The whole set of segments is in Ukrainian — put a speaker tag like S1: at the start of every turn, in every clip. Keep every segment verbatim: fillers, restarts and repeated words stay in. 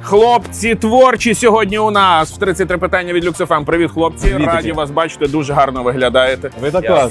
S1: Хлопці творчі сьогодні у нас в тридцять три питання від Люксофем. Привіт, хлопці.
S2: Привіт,
S1: Раді
S2: таки.
S1: вас бачити, дуже гарно виглядаєте.
S2: Ви також.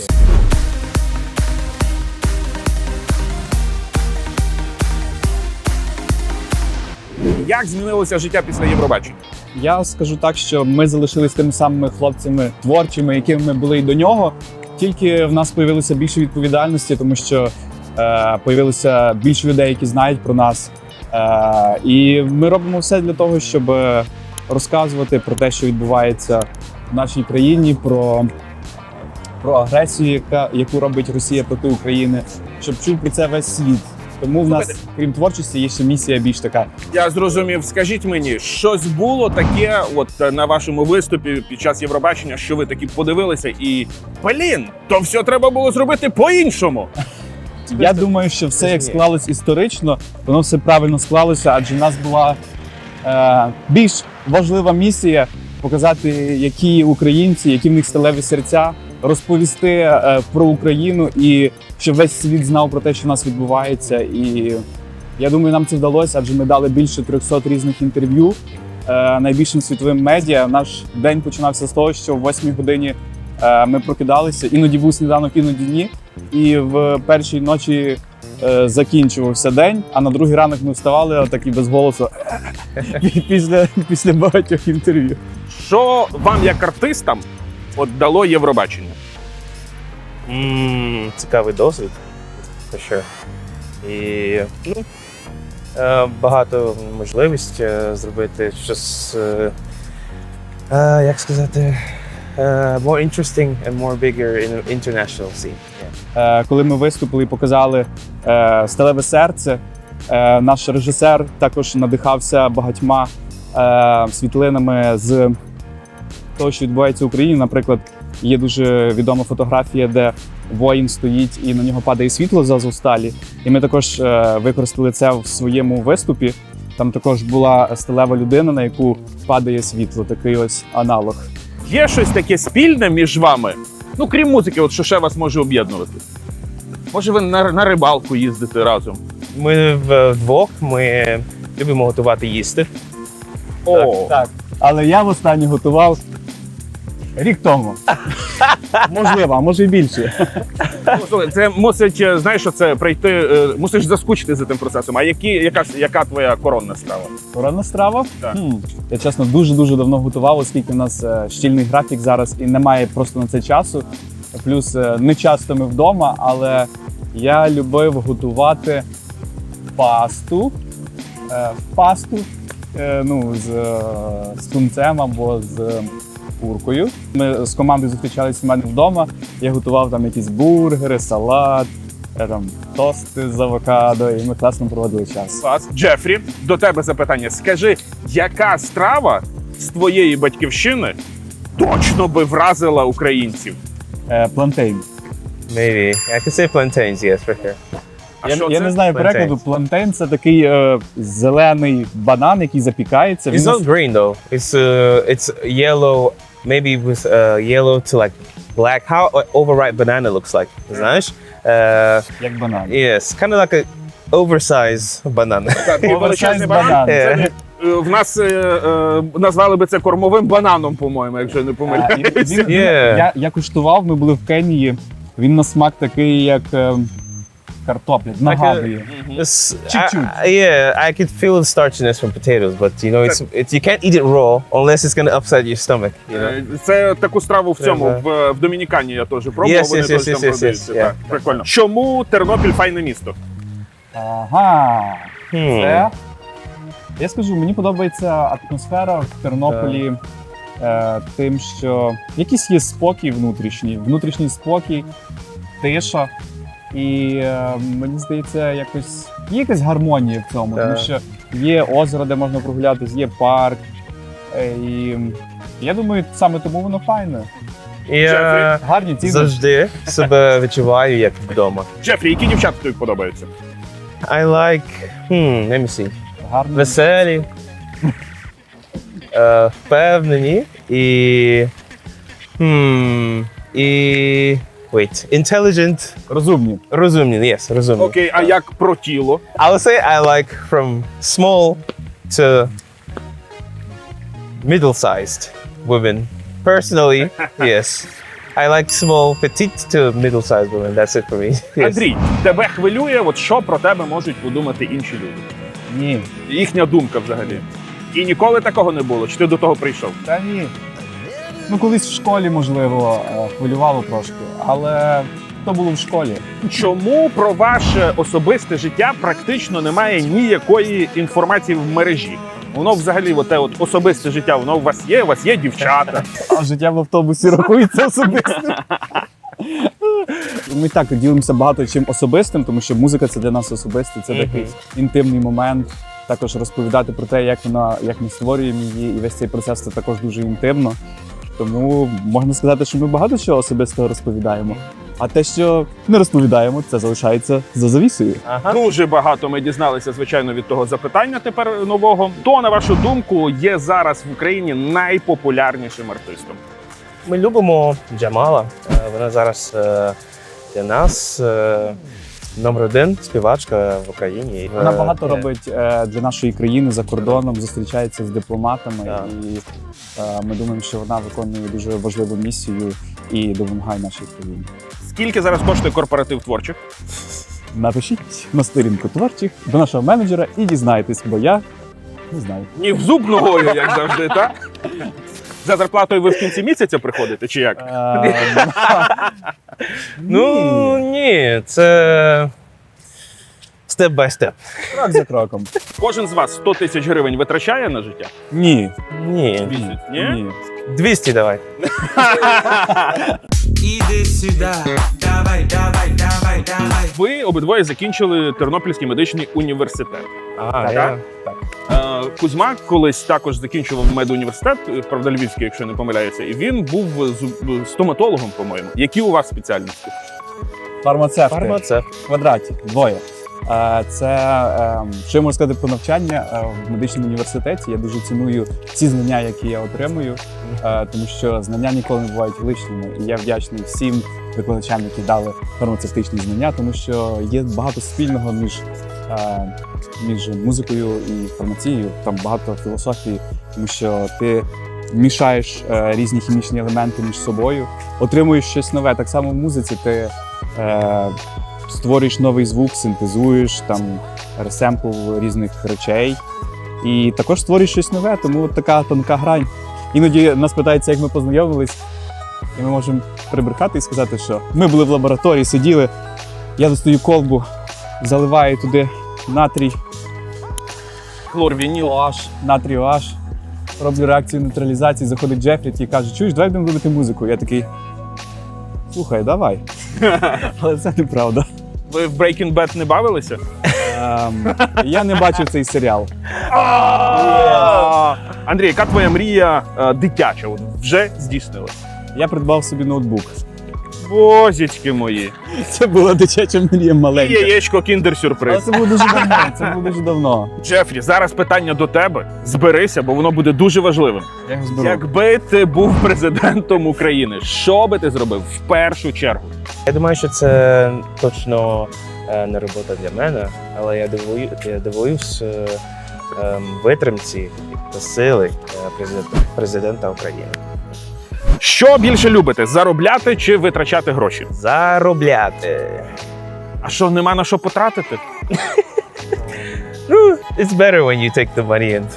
S1: Як змінилося життя після Євробачення?
S2: Я скажу так, що ми залишились тими самими хлопцями творчими, якими ми були і до нього. Тільки в нас з'явилося більше відповідальності, тому що е, появилося більше людей, які знають про нас. Е, і ми робимо все для того, щоб розказувати про те, що відбувається в нашій країні, про, про агресію, яка, яку робить Росія проти України, щоб чув про це весь світ. Тому в нас, крім творчості, є ще місія більш така.
S1: Я зрозумів. Скажіть мені, щось було таке от на вашому виступі під час Євробачення, що ви такі подивилися і, блін, то все треба було зробити по-іншому.
S2: Я думаю, що все як склалось історично, воно все правильно склалося, адже в нас була е, більш важлива місія показати, які українці, які в них сталеві серця, розповісти е, про Україну і щоб весь світ знав про те, що в нас відбувається. І я думаю, нам це вдалося, адже ми дали більше трьохсот різних інтерв'ю е, найбільшим світовим медіа. Наш день починався з того, що в восьмій годині е, ми прокидалися, іноді був сніданок, іноді ні. І в першій ночі е, закінчувався день, а на другий ранок ми вставали отак і без голосу після, після багатьох інтерв'ю.
S1: Що вам, як артистам, от дало Євробачення?
S3: Mm, цікавий досвід, for sure. І ну, е, багато можливість е, зробити щось, е, е, як сказати, е, more interesting and more bigger in international scene. Yeah.
S2: Е, коли ми виступили і показали е, «Сталеве серце», е, наш режисер також надихався багатьма е, світлинами з того, що відбувається в Україні. Наприклад, є дуже відома фотографія, де воїн стоїть і на нього падає світло з Азовсталі. І ми також е, використали це в своєму виступі. Там також була сталева людина, на яку падає світло, такий ось аналог.
S1: Є щось таке спільне між вами? Ну, крім музики, от що ще вас може об'єднувати? Може, ви на, на рибалку їздите разом?
S3: Ми вдвох, ми любимо готувати їсти.
S1: О,
S2: Так, але я востаннє готував рік тому. Можливо, а може і більше.
S1: ну, слухай, це мусить, е, знаєш, що це прийти, е, мусиш заскучити за тим процесом. А які, яка, ж- яка твоя коронна страва?
S2: Коронна страва?
S1: Так.
S2: Хм. Я, чесно, дуже-дуже давно готував, оскільки в нас е, щільний графік зараз і немає просто на це часу. Плюс е, не часто ми вдома, але я любив готувати пасту. Е, пасту е, ну, з, е, з тунцем або з куркою. Ми з командою зустрічалися в мене вдома. Я готував там якісь бургери, салат, е, там, тости з авокадо, і ми класно проводили час.
S1: Клас. Джефрі, до тебе запитання. Скажи, яка страва з твоєї батьківщини точно би вразила українців?
S2: Е, плантейн.
S3: Maybe. I could say plantains, yes, for sure.
S1: А
S2: Я,
S1: що
S2: я
S1: це?
S2: не знаю
S3: Плантейн.
S2: перекладу. Плантейн – це такий е, зелений банан, який запікається.
S3: It's
S2: Він
S3: not green though. It's uh, it's yellow, maybe with uh, yellow to like black. How uh, overripe banana looks like, знаєш? Uh,
S2: як банан.
S3: yes, kind of like a oversized banana.
S1: Такий величезний банан.
S2: банан.
S1: Це, е, в нас е, е, назвали би це кормовим бананом, по-моєму, якщо я не
S2: А, і
S1: помиляюсь.
S2: він, він,
S3: Yeah.
S2: я, я куштував, ми були в Кенії. Він на смак такий, як е, картопля, нагадує.
S3: It's,
S2: Чуть-чуть.
S3: I, yeah, I could feel the starchiness from potatoes, but you know, it's, it's you can't eat it raw unless it's gonna upset your stomach. You know.
S1: Е, Це таку страву в цьому,
S3: Треба.
S1: в, в Домінікані я теж пробував,
S3: Yes,
S1: вони
S3: yes,
S1: теж
S3: yes,
S1: там
S3: yes, yes,
S1: продаються.
S3: yes,
S1: Так,
S3: yeah.
S1: прикольно. Чому Тернопіль файне місто?
S2: Ага.
S3: Hmm.
S2: Це, я скажу, мені подобається атмосфера в Тернополі е, тим, що якийсь є спокій внутрішній, внутрішній спокій, тиша. І е, мені здається, якось є якась гармонія в цьому,
S3: Так.
S2: тому що є озеро, де можна прогулятися, є парк. Е, і я думаю, саме тому воно файне.
S3: Я
S2: Гарні ціни.
S3: завжди себе відчуваю як вдома.
S1: Джефрі, які дівчата тобі подобаються?
S3: I like, hmm, let me see.
S2: Гарні.
S3: Веселі, е, впевнені і, hmm, і Wait, intelligent,
S2: Розумні.
S3: розумні, yes, розумні.
S1: Окей, а як про тіло?
S3: I would say I like from small to middle-sized women. Personally, yes. I like small, petite to middle-sized women. That's it for me. Yes.
S1: Андрій, тебе хвилює, от що про тебе можуть подумати інші люди?
S2: Ні.
S1: Їхня думка взагалі. І ніколи такого не було? Чи ти до того прийшов?
S2: Та ні. Ну, колись в школі, можливо, е, хвилювало трошки, але то було в школі.
S1: Чому про ваше особисте життя практично немає ніякої інформації в мережі? Воно взагалі, оте от особисте життя, воно у вас є, у вас є дівчата.
S2: А життя в автобусі рахується особистим. Ми так ділимося багато чим особистим, тому що музика це для нас особисте, це
S3: Мгм.
S2: такий інтимний момент. Також розповідати про те, як вона, як ми створюємо її, і весь цей процес це також дуже інтимно. Тому можна сказати, що ми багато чого особистого розповідаємо. А те, що не розповідаємо, це залишається за завісою.
S3: Ага.
S1: Дуже багато ми дізналися, звичайно, від того запитання тепер нового. Хто, на вашу думку, є зараз в Україні найпопулярнішим артистом?
S3: Ми любимо Джамала. Е, Вона зараз е, для нас е, номер один співачка в Україні.
S2: Вона
S3: Е,
S2: багато
S3: е,
S2: робить е, для нашої країни за кордоном, зустрічається з дипломатами,
S3: Так.
S2: і е, ми думаємо, що вона виконує дуже важливу місію і допомагає нашій країні.
S1: Скільки зараз коштує корпоратив творчих?
S2: Напишіть на сторінку творчих до нашого менеджера і дізнайтесь, бо я не знаю.
S1: Ні в зуб ногою, як завжди, так? За зарплатою ви в кінці місяця приходите, чи як?
S2: Е,
S3: Ну ні, це степ бай степ.
S2: крок за кроком.
S1: Кожен з вас сто тисяч гривень витрачає на життя?
S2: Ні.
S3: Ні.
S1: Місяць, ні?
S2: Ні.
S3: двісті давай.
S4: Иди сюда, давай, давай, давай, давай.
S1: Ви обидвоє закінчили Тернопільський медичний університет.
S3: А,
S1: Так?
S3: я...
S1: Е, Кузьма колись також закінчував медуніверситет, правда, Львівський, якщо не помиляюся, і він був зуб- стоматологом, по-моєму. Які у вас спеціальності?
S2: Фармацевти.
S3: Фармацевт.
S2: В квадраті. Двоє. Е, Це, е, що я можу сказати про навчання е, в медичному університеті. Я дуже ціную ці знання, які я отримую, е, тому що знання ніколи не бувають лишніми. І я вдячний всім викладачам, які дали фармацевтичні знання, тому що є багато спільного між, е, між музикою і фармацією. Там багато філософії, тому що ти мішаєш е, різні хімічні елементи між собою, отримуєш щось нове. Так само в музиці ти е, створюєш новий звук, синтезуєш там ресемпл різних речей. І також створюєш щось нове, тому от така тонка грань. Іноді нас питаються, як ми познайомились, і ми можемо прибрехати і сказати, що ми були в лабораторії, сиділи, я достаю колбу, заливаю туди натрій,
S1: Хлорвініл.
S2: OH, натрій OH, роблю реакцію нейтралізації, заходить Джефрі і каже, чуєш, давай будемо робити музику. Я такий, слухай, давай. Але це неправда.
S1: Ви в Breaking Bad не бавилися?
S2: Ем, я не бачив цей серіал.
S1: Андрій, яка твоя мрія е, дитяча? От вже здійснилась?
S2: Я придбав собі ноутбук.
S1: Бозічки мої.
S2: Це була дитяча мрія
S1: І
S2: маленька.
S1: яєчко
S2: Але
S1: кіндер-сюрприз.
S2: це було дуже давно. Це було дуже давно.
S1: Джефрі, зараз питання до тебе. Зберися, бо воно буде дуже важливим.
S2: Я його зберу.
S1: Якби ти був президентом України, що би ти зробив в першу чергу?
S3: Я думаю, що це точно е, не робота для мене, але я дивую, я дивуюсь е, ем, витримці та сили е, президента, президента України.
S1: Що більше любите: заробляти чи витрачати гроші?
S3: Заробляти.
S1: А що, нема на що потратити?
S3: Ну, it's better when you take the money and...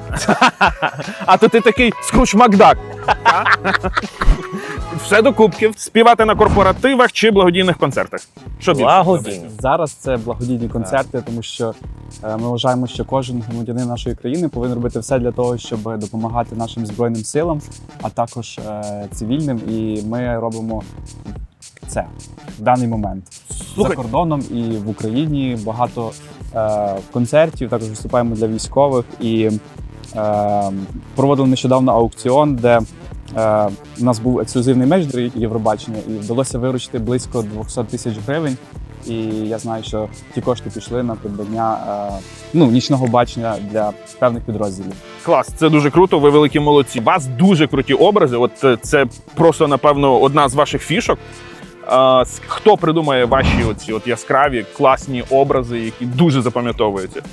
S1: А то ти такий Скруч Макдак. а? Все до кубків. Співати на корпоративах чи благодійних концертах? Що більше?
S3: Благодійні.
S2: Зараз це благодійні концерти, тому що е, ми вважаємо, що кожен громадянин нашої країни повинен робити все для того, щоб допомагати нашим збройним силам, а також е, цивільним. І ми робимо це в даний момент.
S1: Слухай.
S2: За кордоном і в Україні багато е, концертів. Також виступаємо для військових і е, проводили нещодавно аукціон, де е, у нас був ексклюзивний меч до Євробачення, і вдалося виручити близько двісті тисяч гривень. І я знаю, що ті кошти пішли на придбання е, ну, нічного бачення для певних підрозділів.
S1: Клас, це дуже круто, ви великі молодці. У вас дуже круті образи. От е, це просто, напевно, одна з ваших фішок. А, с- хто придумає ваші оці от яскраві, класні образи, які дуже запам'ятовуються?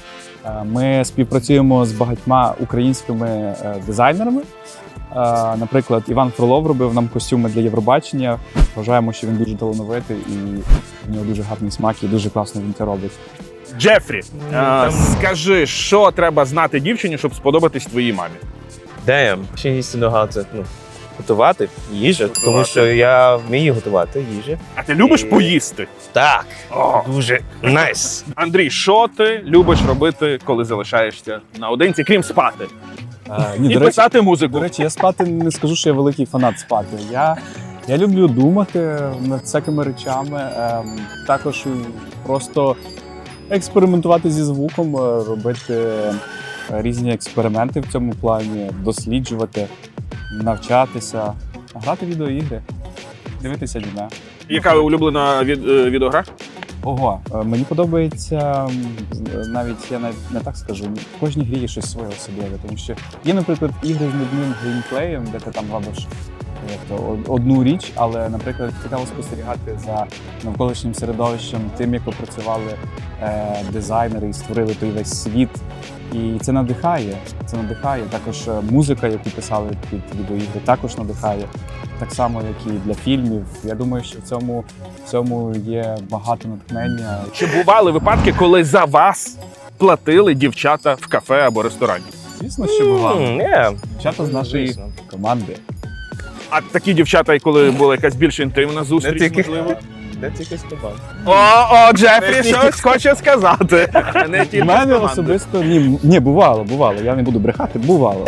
S2: Е, Ми співпрацюємо з багатьма українськими е, дизайнерами. Е, Наприклад, Іван Фролов робив нам костюми для Євробачення. Вважаємо, що він дуже талановитий і в нього дуже гарний смак і дуже класно він це робить.
S1: Джефрі,
S3: Ну,
S1: е,
S3: там-
S1: скажи, що треба знати дівчині, щоб сподобатись твоїй мамі?
S3: Damn. Ще needs to know how to, ну, готувати їжу, тому
S1: Готувати.
S3: що я вмію готувати їжу.
S1: А ти любиш
S3: І-
S1: поїсти?
S3: Так,
S1: О.
S3: дуже найс.
S1: Андрій, що ти любиш робити, коли залишаєшся наодинці, крім спати?
S2: Е, Ні,
S1: І
S2: до речі,
S1: писати музику.
S2: До речі, я спати не скажу, що я великий фанат спати. Я, я люблю думати над всякими речами, ем, також просто експериментувати зі звуком, е, робити е, різні експерименти в цьому плані, досліджувати, навчатися, грати в відеоігри, дивитися аніме.
S1: Яка улюблена від, е, відеогра?
S2: Ого, е, мені подобається м, з- навіть я навіть не так скажу. В кожній грі є щось своє особливе, тому що є, наприклад, ігри з нудним геймплеєм, де ти там робиш як то, од- одну річ, але, наприклад, цікаво спостерігати за навколишнім середовищем, тим, як опрацювали е, дизайнери і створили той весь світ. І це надихає. Це надихає. Також е, музика, яку писали під відеоігри, також надихає. Так само, як і для фільмів. Я думаю, що в цьому, в цьому є багато натхнення.
S1: Чи бували випадки, коли за вас платили дівчата в кафе або ресторані?
S2: Звісно, що бувало.
S3: М, yeah.
S2: Дівчата з нашої
S3: Звісно.
S2: команди.
S1: А такі дівчата, коли була якась більш інтимна зустріч,
S3: Не тільки.
S1: можливо?
S3: Де тільки співав?
S1: О, о, Джефрі щось хоче сказати. Не тільки
S2: У
S1: з
S2: мене
S1: команди.
S2: особисто ні, м- ні, бувало, бувало. Я не буду брехати, бувало.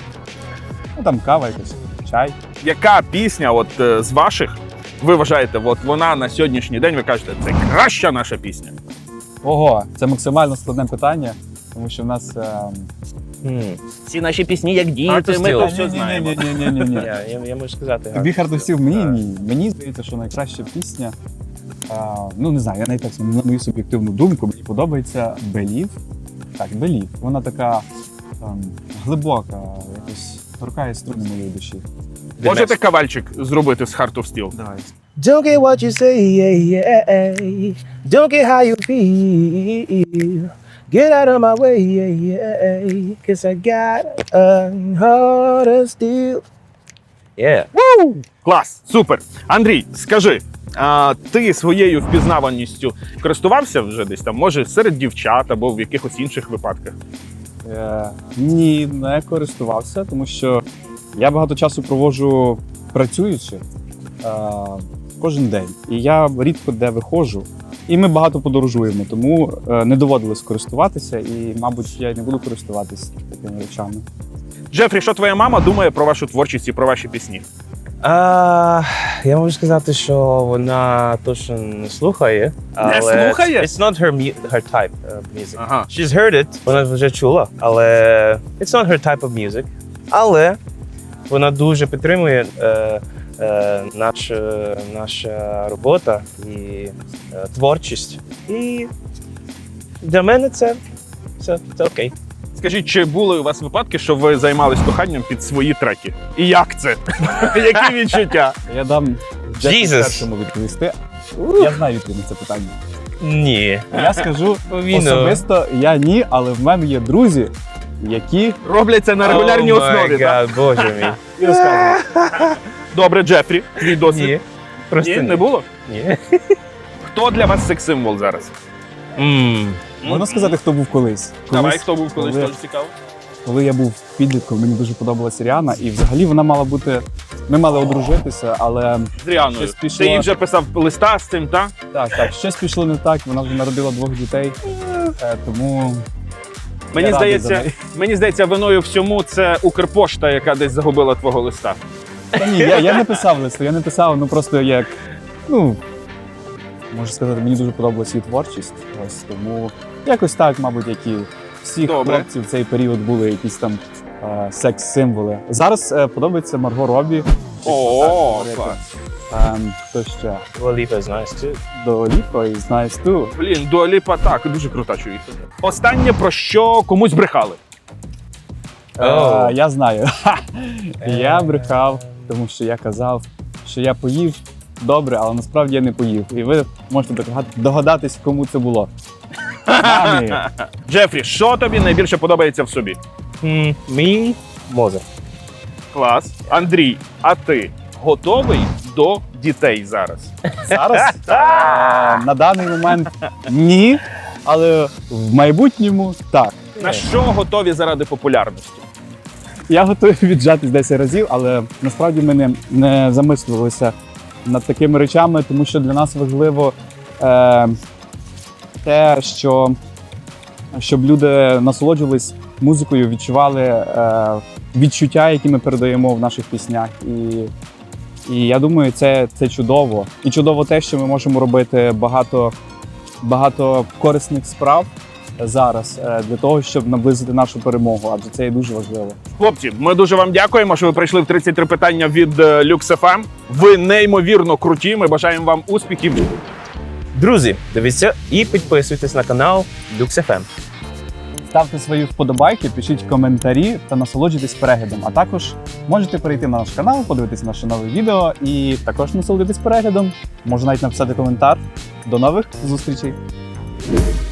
S2: Ну там кава якась, чай.
S1: Яка пісня от е, з ваших ви вважаєте, от вона на сьогоднішній день, ви кажете, це краща наша пісня?
S2: Ого, це максимально складне питання, тому що в нас. ем,
S3: М.
S1: Всі наші пісні як діти,
S3: Артистів.
S1: ми то
S3: Та
S1: все знаємо.
S2: Ні, ні, ні, ні, ні.
S3: Я, я, я можу сказати.
S2: Тобі хардостів мені
S3: Так.
S2: ні. Мені здається, що найкраща пісня. А, ну не знаю, я навіть так на мою суб'єктивну думку, мені подобається Белів. Так, Белів. Вона така ем, глибока, якось торкає струни моєї душі.
S1: Можете кавальчик зробити з Heart of Steel?
S2: Давай.
S3: Don't get what you say, yeah, yeah. Don't get how you feel. Get out of my way, yeah, yeah. Cause I got a heart of steel. Yeah.
S1: Клас, супер. Андрій, скажи, а ти своєю впізнаваністю користувався вже десь там, може, серед дівчат або в якихось інших випадках?
S2: Е, ні, не користувався, тому що я багато часу проводжу працюючи е, кожен день. І я рідко де виходжу. І ми багато подорожуємо, тому е, не доводилось користуватися, і, мабуть, я й не буду користуватися такими речами.
S1: Джефрі, що твоя мама думає про вашу творчість і про ваші пісні?
S3: А, я можу сказати, що вона точно не слухає. Але
S1: слухає?
S3: It's not her, mu- her type of music.
S1: Ага.
S3: She's heard it, вона вже чула, але it's not her type of music. Але вона дуже підтримує е, е, наш, е, наша робота і е, творчість. І для мене це, це, це окей.
S1: Скажіть, чи були у вас випадки, що ви займались коханням під свої треки? І як це? Які відчуття?
S2: Я дам Джеку
S3: Jesus.
S2: першому відповісти. Я знаю відповідь на це питання.
S3: Ні.
S2: Я скажу
S3: Він,
S2: особисто, я ні, але в мене є друзі, які
S1: Роблять це на регулярній
S3: Oh my
S1: основі, так?
S3: God, Боже мій.
S2: і розказують.
S1: Добре, Джефрі, твій досвід.
S3: Ні. Просто
S1: Ні, не було?
S3: Ні.
S1: Хто для вас секс-символ зараз?
S3: М.
S2: Можна сказати, хто був колись.
S1: Давай,
S2: Колись,
S1: хто був колись,
S2: коли-
S1: теж цікаво.
S2: Коли я був підлітком, мені дуже подобалася Ріана, і взагалі вона мала бути. Ми мали одружитися, але
S1: З Ріаною.
S2: Щось пішло.
S1: Ти їй вже писав листа з цим, так?
S2: так, так, щось пішло не так. Вона вже народила двох дітей. Е, Тому
S1: Мені
S2: Я радий за
S1: здається,
S2: неї.
S1: мені здається, виною всьому це Укрпошта, яка десь загубила твого листа.
S2: та ні, я, я не писав листу, я не писав, ну просто як. Ну можу сказати, мені дуже подобалася її творчість. Ось тому якось так, мабуть, як і всіх
S1: Добре.
S2: хлопців в цей період були якісь там е, секс-символи. Зараз е, подобається Марго Робі.
S1: О,
S2: Так,
S1: клас.
S2: Ем, хто ще?
S3: Dua Lipa is nice too.
S2: До Ліпо і Знаєш ту.
S1: Блін, Дуа Ліпа, так, дуже крута чоловіка. Останнє, про що комусь брехали.
S3: Oh.
S2: Е, я знаю. Я брехав, тому що я казав, що я поїв добре, але насправді я не поїв. І ви можете догад- догадатись, кому це було. Мамі.
S1: Джефрі, що тобі найбільше подобається в собі?
S3: М, Мій мозок.
S1: Клас. Андрій, а ти готовий до дітей зараз?
S2: Зараз е, на даний момент ні, але в майбутньому так.
S1: На що готові заради популярності?
S2: Я готовий віджатись десять разів, але насправді ми не, не замислювалися над такими речами, тому що для нас важливо е, те, що щоб люди насолоджувались музикою, відчували е, відчуття, які ми передаємо в наших піснях. І, і я думаю, це, це чудово. І чудово те, що ми можемо робити багато, багато корисних справ зараз е, для того, щоб наблизити нашу перемогу, адже це є дуже важливо.
S1: Хлопці, ми дуже вам дякуємо, що ви прийшли в тридцять три питання від е, Lux еф ем. Ви неймовірно круті. Ми бажаємо вам успіхів.
S3: Друзі, дивіться і підписуйтесь на канал Lux еф ем.
S2: Ставте свої вподобайки, пишіть коментарі та насолоджуйтесь переглядом. А також можете перейти на наш канал, подивитись наше нове відео і також насолодитись переглядом. Можна навіть написати коментар. До нових зустрічей!